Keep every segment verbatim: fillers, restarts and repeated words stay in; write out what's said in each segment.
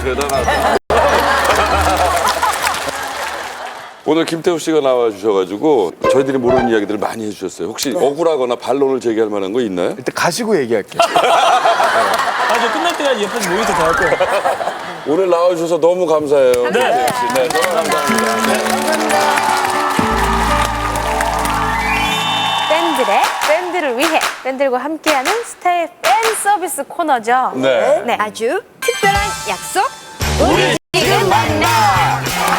대단하다. 오늘 김태우 씨가 나와주셔가지고 저희들이 모르는 이야기들을 많이 해주셨어요. 혹시 네. 억울하거나 반론을 제기할 만한 거 있나요? 일단 가시고 얘기할게요. 아, 저 끝날 때까지 옆에서 모니터 다 할 거예요. 오늘 나와주셔서 너무 감사해요. 네. 네, 네, 너무 감사합니다. 네. 팬들의 팬들을 위해 팬들과 함께하는 스타의 팬 서비스 코너죠. 네. 네. 아주 특별한 약속. 우리 지금 만나!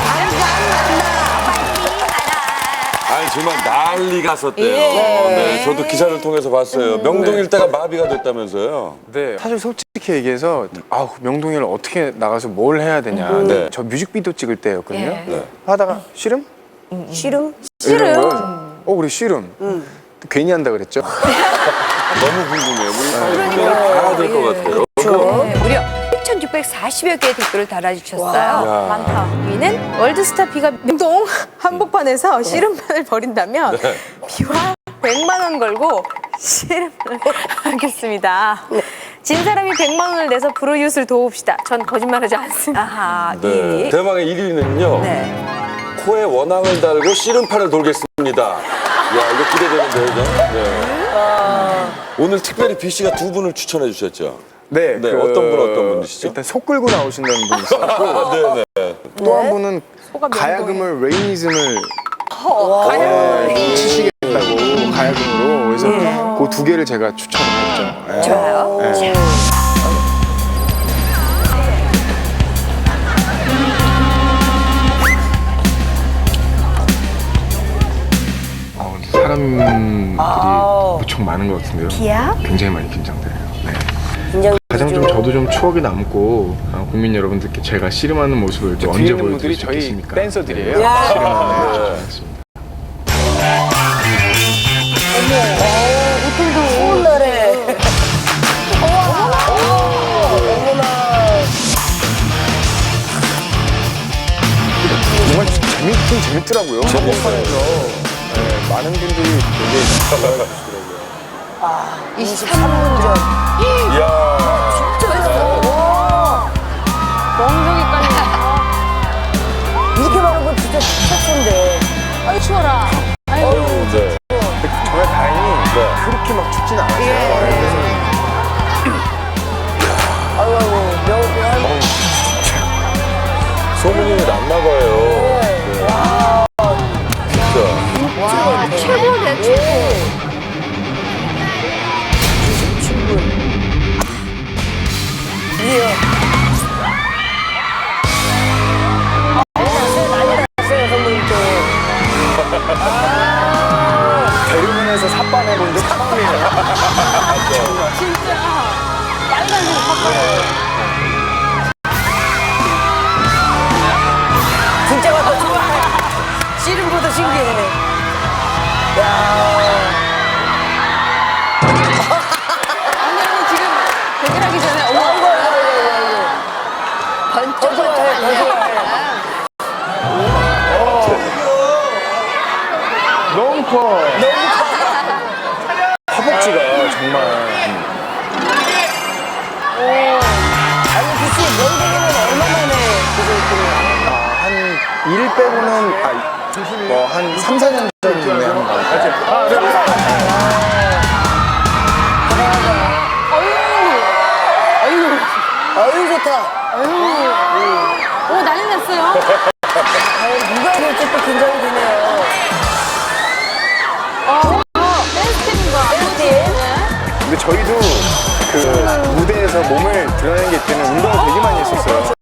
아니 정말 난리가 났었대요. 네, 저도 기사를 통해서 봤어요. 명동일대가 마비가 됐다면서요. 네. 사실 솔직히 얘기해서 아우 명동일 어떻게 나가서 뭘 해야 되냐. 네. 저 뮤직비디오 찍을 때였거든요. 예. 네. 하다가 씨름? 씨름? 이런 거요. 어 우리 씨름. 괜히 한다 그랬죠. 너무 궁금해요. 우리 알아야 될 것 같아요. 네, 무려 칠천육백사십여 개의 댓글을 달아주셨어요. 많다. 위는 월드스타 B가 명동 한복판에서 씨름판을 벌인다면 네. B와 백만 원 걸고 씨름을 하겠습니다. 진 사람이 백만 원을 내서 브루이웃을 도웁시다. 전 거짓말하지 않습니다. 아하, 네. 예. 대망의 일 위는요. 네. 코에 원앙을 달고 씨름판을 돌겠습니다. 야, 이거 기대되는데요, 저? 네. 오늘 특별히 B 씨가 두 분을 추천해 주셨죠? 네. 네, 어떤 분, 어떤 분이시죠? 일단 속 끌고 나오신다는 분이 있었고 아, 네, 네. 또 한 분은 소가 가야금을 레이니즘을 가야금을 네, 치시겠다고 가야금으로 그래서 그 두 개를 제가 추천을 했죠. 네. 좋아요. 네. 어, 근데 사람들이 무척 많은 것 같은데요. 비야? 굉장히 많이 긴장돼요. 네. 긴장. 가장 좀 저도 좀 추억이 남고 어, 국민 여러분들께 제가 씨름하는 모습을 또 언제 보여드릴 수 있겠습니까? 댄서들이에요. 씨름하는 줄 알았습니다. 오늘에. 정말 재밌긴 재밌더라고요. 한복판에서 네, 많은 분들이 되게 좋아해 주시더라고요. 이십삼 분 전. 이야. 멍청이까지. 이렇게 많은 건 진짜 축제인데. 아이 추워라. 아유, 네. 정말 다행히 네. 그렇게 막 춥진 않았어요. 그래서 아유, 아유, 명명. 소문이 났나 봐요. 네. 진짜. 와, 최고네, 최고. 이십칠 분. 이요. 난리 났어요, 선배님 또. 대륙에서 삿바내 본적 처음이에요. 진짜. 빨간색 팝콘. 진짜 왔다 좋아. 씨름보다 신기해. 야. 아니, 아니, 지금 대결하기 전에 어머, 아이고, 아이고, 아이고, 아이고. 번쩍 좋아해, 더 좋아해. 너무 커. 허벅지가 정말. 아니, 그치, 명동에는 얼마 만에 그거 아, 한 일 빼고는 아, 뭐 한 삼, 사 년 전에 한 것 같아요. 아, 네. 아유, 아유, 좋다. 오, 난리 났어요. 아유, 누가 될지 또 긴장이 되네요. 어, 댄스팀과 댄스팀? 근데 저희도 그 무대에서 몸을 드러내는 게 있다는 운동을 되게 많이 했었어요.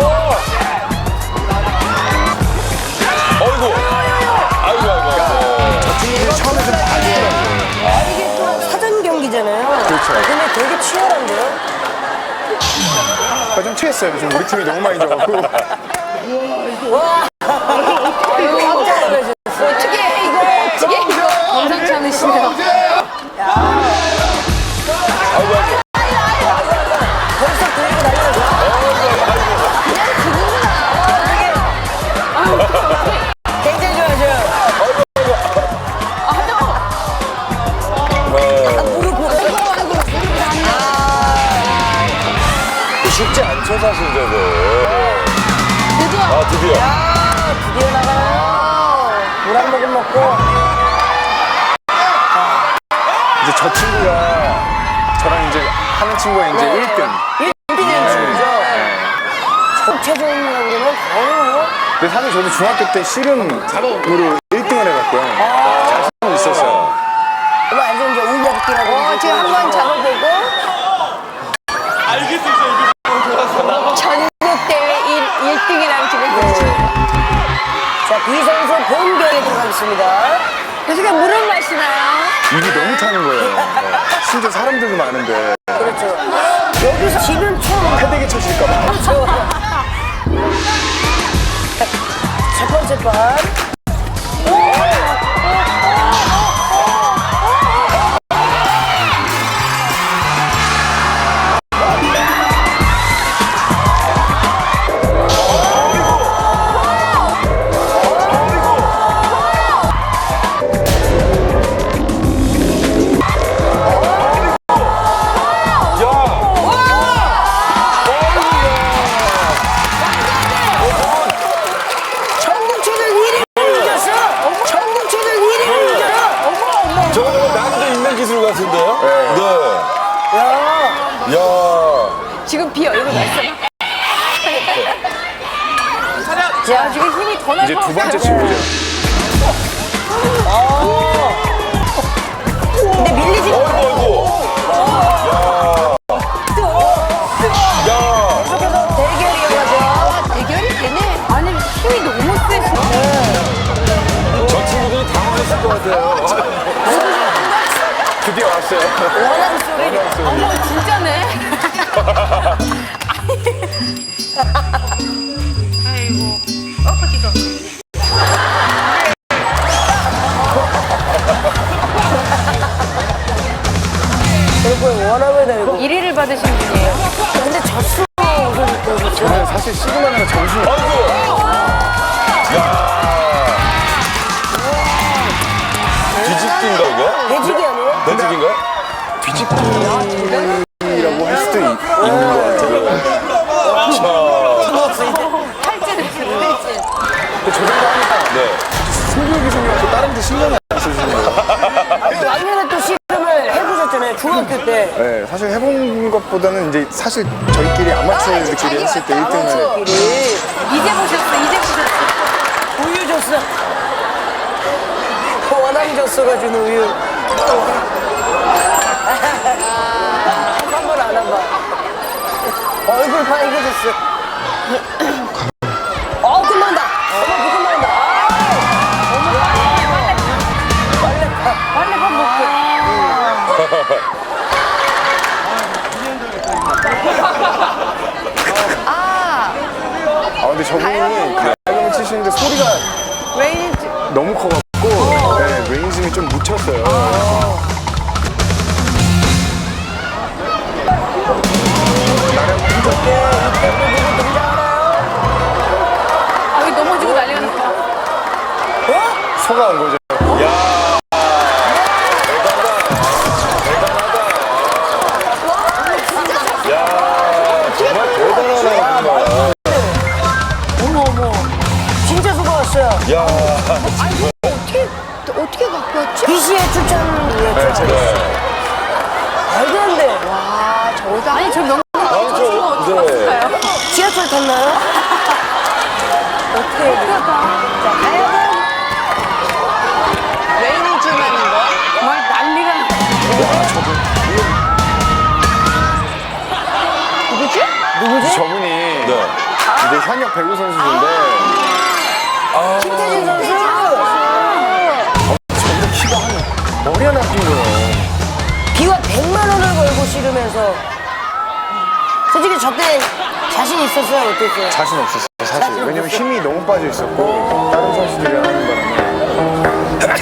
어이구. 아이고, 아이고. 저 친구들이 처음에 좀 봐주더라고요. 아, 이게 또 사전 경기잖아요. 그렇죠. 근데 되게 치열한데요? 아, 좀 취했어요. 요즘 우리 팀이 너무 많이 져갖고. 와! 깜짝 놀라셨어. 어떻게 이거, 어떻게 이거. 범상치 않으시네요. 벌써 들고 날려서. 굉장히 좋아하죠. 아, 무릎 보고. 아이고, 아이고, 무릎 닿네. 쉽지 않죠, 사실 저거. 드디어. 아, 드디어. 야, 드디어 나가요. 물 한 모금 먹고. 이제 저 친구가 저랑 이제 하는 친구가 이제 일 등. 일 등인 친구죠. 최종이라고 그러면 어. 근데 사실 저도 중학교 때 씨름으로 일 등을 해봤고요. 자신은 있었어요. 그럼 완전 이제 울려붙기라고. 어, 지금 한번 잡아보고. 알겠어, 이거. 전국대회 일 등이라는 지금 그렇죠. 자, B 선수 본경에 들어가겠습니다. 계속해 물을 마시나요? 입이 너무 타는 거예요. 심지어 사람들도 많은데 그렇죠. 여기서 지는 총 패대기 쳐질까봐. 그렇죠. 첫 번째 판. 전국체전 일 위를 이겼어. 전국체전 일 위를 이겨라. 어머 어머. 저거 난이도 있는 기술 같은데요? 네. 야. 야. 지금 비어 이거 말씀. 자 지금 힘이 더 나서. 이제 두 번째 친구죠. 근데 밀리지 마. 어이구, 어이구. 야. 계속해서 대결이 이어가죠. 대결이 되네. 아니 힘이 너무 세서. 저 친구들이 당황했을 것 같아요. 드디어 왔어요. 원한 소리. 어머 진짜네. 그리고 원함을 내고. 일 위를 받으신 분이에요. 근데 졌어. 우선 또 저는 사실 씨름하느라 정신이 없어요. 아이고. 야. 뒤집기인가 이거? 배지기 아니에요? 배지기인가? 뒤집기라고 할 수도 있, 있는 것 같아요. 팔찌 됐어요. 팔찌. 근데 저 정도 하니까 네. 승부욕이 생겨서 다른 데 신경이 안 쓰시는 거예요. 아니, 작년에 또 씨름을 해보셨잖아요. 중학교 때. 네, 사실 해본 것보다는 이제 사실 저희끼리 아마추어들끼리 했을 때 일 등을 아마추어끼리. 이제 보셨어. 이제 보셨어. 우유 줬어. 원함 줬어가지고 우유. 한번 안 한다. 얼굴 파이겨졌어. 어, 끝난다. 어머, 그 끝난다. 빨리 밥 먹고. 아 근데 저분이 그 가격을 치시는데 소리가 웨이지. 너무 커갖고 네, 레인즘이 좀 묻혔어요. 아 여기 넘어지고 난리가 났어. 소가 온 거죠. 야. 대단하다. 야. 정말 대단하네 정말. 어머, 어머. 진짜 수고하셨어요. 야. 어떻게, 어떻게 갖고 왔지? 비씨의 추천이었죠. 네. 말도 안 돼. 와 저거 아니 저 명품 아니 저 네. 지하철 탔나요? 어떻게 해야 돼? 자, 가야금. 웨이즈만인 거 정말 난리가 났어. 누구지? 누구지? 저분이 네. 이제 현역 배구 선수인데 김태진 선수. 저보다 키가 한 머리 하나 뛴 거예요. 비와 백만 원을 걸고 씨름해서 솔직히 저때 자신 있었어요? 어땠어요? 자신 없었어요 사실. 왜냐면 힘이 너무 빠져 있었고 다른 선수들이 하는 바람에.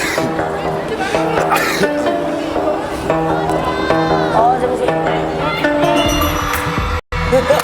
아, 잠시만.